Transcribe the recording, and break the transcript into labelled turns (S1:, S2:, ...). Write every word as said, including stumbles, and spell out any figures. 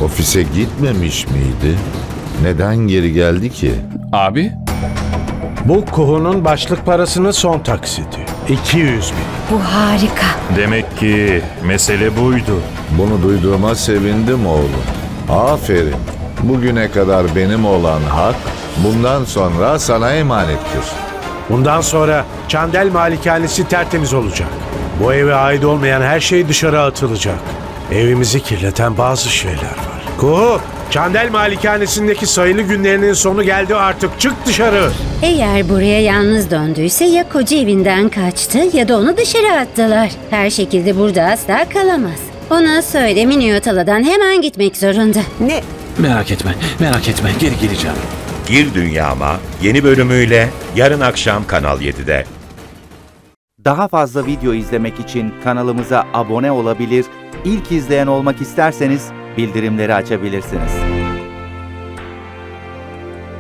S1: ofise gitmemiş miydi? Neden geri geldi ki?
S2: Abi,
S3: Bu Kuhu'nun başlık parasının son taksiti. iki yüz bin.
S4: Bu harika.
S5: Demek ki mesele buydu.
S1: Bunu duyduğuma sevindim oğlum. Aferin. Bugüne kadar benim olan hak bundan sonra sana emanettir.
S3: Bundan sonra Çandel Malikanesi tertemiz olacak. Bu eve ait olmayan her şey dışarı atılacak. Evimizi kirleten bazı şeyler var. Kuhu, Çandel Malikanesi'ndeki sayılı günlerinin sonu geldi artık. Çık dışarı.
S4: Eğer buraya yalnız döndüyse ya koca evinden kaçtı ya da onu dışarı attılar. Her şekilde burada asla kalamaz. Ona söyle Minyotala'dan hemen gitmek zorunda.
S6: Ne?
S2: merak etme, merak etme. Geri geleceğim.
S7: Gir Dünyama yeni bölümüyle yarın akşam Kanal yedide.
S8: Daha fazla video izlemek için kanalımıza abone olabilir, ilk izleyen olmak isterseniz bildirimleri açabilirsiniz.